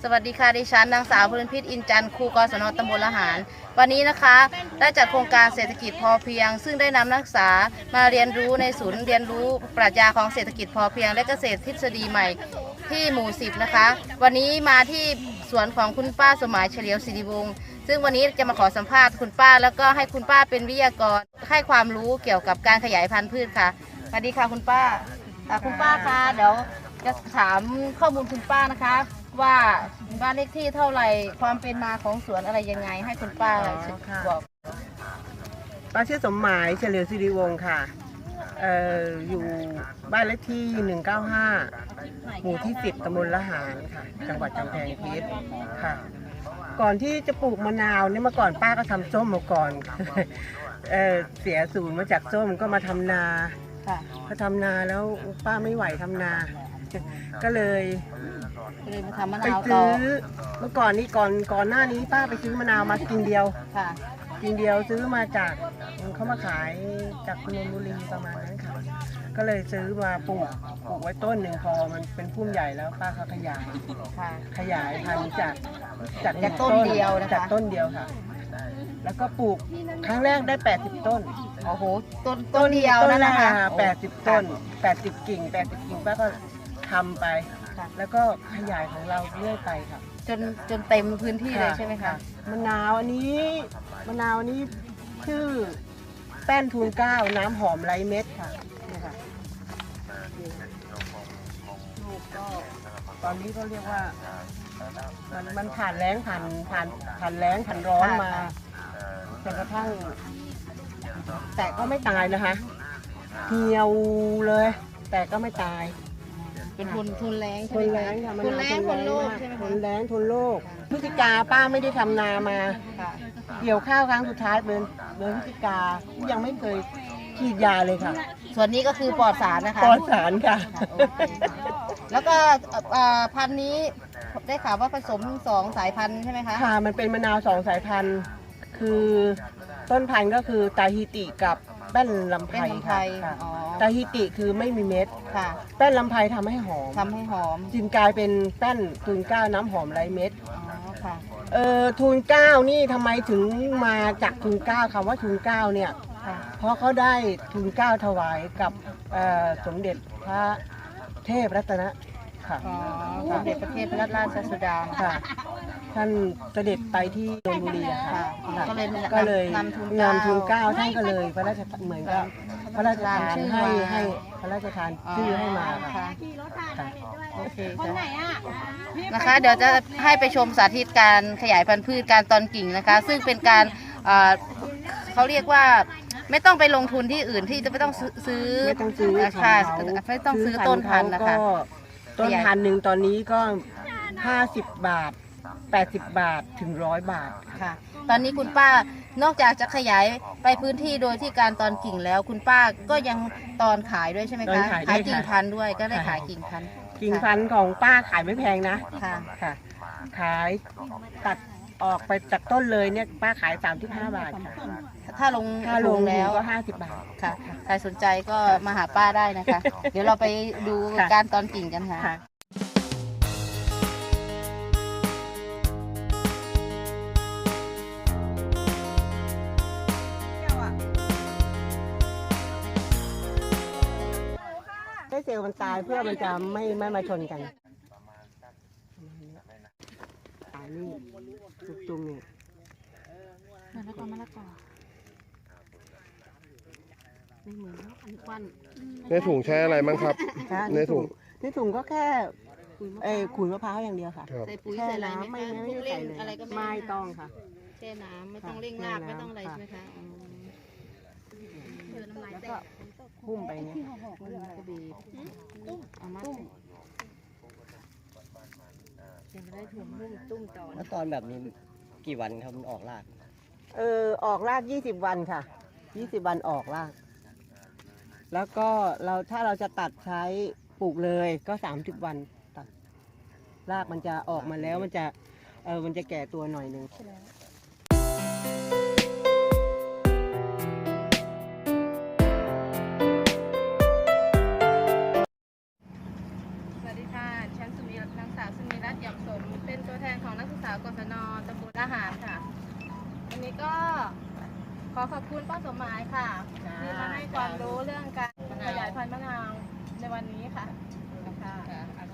วัสดีค่ะดิฉันนางสาวพลินพิษอินจันทร์ครูกศน.ตำบลละหารวันนี้นะคะได้จัดโครงการเศรษฐกิจพอเพียงซึ่งได้นำนักศึกษามาเรียนรู้ในศูนย์เรียนรู้ปรัชญาของเศรษฐกิจพอเพียงและเกษตรทฤษฎีใหม่ที่หมู่10นะคะวันนี้มาที่สวนของคุณป้าสมัยเฉลียวศิริวงศ์ซึ่งวันนี้จะมาขอสัมภาษณ์คุณป้าแล้วก็ให้คุณป้าเป็นวิทยากรให้ความรู้เกี่ยวกับการขยายพันธุ์พืชค่ะสวัสดีค่ะคุณป้าคุณป้าคะเดี๋ยวจะถามข้อมูลคุณป้านะคะว่าบ้านเลขที่เท่าไหร่ความเป็นมาของสวนอะไรยังไงให้คุณป้าบอกป้าชื่อสมหมายเฉลียวศิริวงศ์ค่ะอยู่บ้านเลขที่195หมู่ที่10ตำบลละหารค่ะจังหวัดกำแพงเพชรค่ะก่อนที่จะปลูกมะนาวเนี่ยเมื่อก่อนป้าก็ทำส้มมาก่อนเสียศูนย์มาจากส้มก็มาทำนาพอทำนาแล้วป้าไม่ไหวทำนาก็เลยมาทำมะไปนาวซื้อเมื่อก่อนนี้ก่อนหน้านี้ป้าไปซื้อมะนาวมากิ่งเดียวกิ่งเดียวซื้อมาจากเขามาขายจากนนทบุรีประมาณนั้นค่ะก็เลยซื้อมาปลูกไว้ต้นหนึ่งพอมันเป็นพุ่มใหญ่แล้วป้าเขาขยายพันธุ์จากต้นเดียวนะคะจากต้นเดียวค่ะแล้วก็ปลูกครั้งแรกได้80ต้นโอ้โหต้นเดียวนั่นนะคะ 80ต้น80กิ่งป้าก็ทำไปแล้วก็ขยายของเราเรื่อยไปค่ะจนเต็มพื้นที่เลยใช่ไหมคะมะนาวอันนี้ชื่อแป้นทูลเกล้าน้ำหอมไร้เม็ดค่ะนี่ค่ะลูกก็ตอนนี้ก็เรียกว่ามันผ่านแล้งผ่านแล้งผ่านร้อนมาจนกระทั่งแต่ก็ไม่ตายนะคะเหี่ยวเลยแต่ก็ไม่ตายเป็นทุนแรงใช่ไหมคะทุนแรงทนโลกใช่ไหมคะทุนแรงทนโลกพฤศจิกาป้าไม่ได้ทำนามาเกี่ยวข้าวครั้งสุดท้ายเดือนพฤศจิกายังไม่เคยฉีดยาเลยค่ะส่วนนี้ก็คือปลอดสารนะคะปลอดสารค่ะแล้วก็พันธุ์นี้ได้ข่าวว่าผสม2 สายพันธุ์ใช่ไหมคะค่ะมันเป็นมะนาว2 สายพันธุ์คือต้นพันธุ์ก็คือตาฮิติกับแป้นลำไพค่ะตาฮิติคือไม่มีเม็ดค่ะแป้นลำไพทำให้หอมจึงกลายเป็นแป้นทูลเกล้าน้ำหอมไร้เม็ดค่ะทูลเกล้านี่ทำไมถึงมาจากทูลเกล้าคำว่าทูลเกล้าเนี่ยเพราะเขาได้ทูลเกล้าถวายกับสมเด็จพระเทพรัตนะค่ะสมเด็จพระเทพรัตนราชสุดาค่ะท่านเสด็จไปที่นนทบุรีค่ะก็เลยนำทูลเกล้าท่านก็เลยพระราชเหมือนกับพระราชทานให้พระราชทานชื่อให้มาค่ะโอเคนะคะเดี๋ยวจะให้ไปชมสาธิตการขยายพันธุ์พืชการตอนกิ่งนะคะซึ่งเป็นการเขาเรียกว่าไม่ต้องไปลงทุนที่อื่นที่จะไม่ต้องซื้อค่ะไม่ต้องซื้อต้นพันธุ์นะคะต้นพันธุ์หนึ่งตอนนี้ก็50 บาท80 บาทถึง100 บาทค่ะตอนนี้คุณป้านอกจากจะขยายไปพื้นที่โดยที่การตอนกิ่งแล้วคุณป้าก็ยังตอนขายด้วยใช่ไหมคะขายกิ่งพันธุ์ด้วยก็ได้ขายกิ่งพันธุ์ของป้าขายไม่แพงนะค่ะขายตัดออกไปจากต้นเลยเนี่ยป้าขาย35 บาทค่ะถ้าลงแล้วก็50 บาทค่ะใครสนใจก็มาหาป้าได้นะคะเดี๋ยวเราไปดูการตอนกิ่งกันค่ะให้เซลล์มันตายเพื่อมันจะไม่มาชนกันตายนี่จุ่มนี่มะละกอไม่เหมือนอันนี้ควันในถุงใช้อะไรมั้งครับในถุงก็แค่ขุยมะพร้าวอย่างเดียวค่ะใส่ปุ๋ยใส่อะไรไม่ใส่เลยอะไรก็ไม่ต้องค่ะแช่น้ำไม่ต้องเร่งรากไม่ต้องอะไรใช่ไหมคะแล้วก็พุ่มไปเนี่ยก็บีบเอามาจะได้ถุงตุ้มต่อแล้วตอนแบบนี้กี่วันครับมันออกรากออกราก20 วันค่ะ20 วันออกรากแล้วก็ถ้าเราจะตัดใช้ปลูกเลยก็30 วันตัดรากมันจะออกมาแล้วมันจะแก่ตัวหน่อยนึงนางสาวสุนีรัตน์ ยำสมเป็นตัวแทวันนี้ก็ขอขอบคุณป้าสมหมายค่ะที่มาให้ความรู้เรื่องการขยายพันธุ์มะนาวในวันนี้ค่ะค่ะ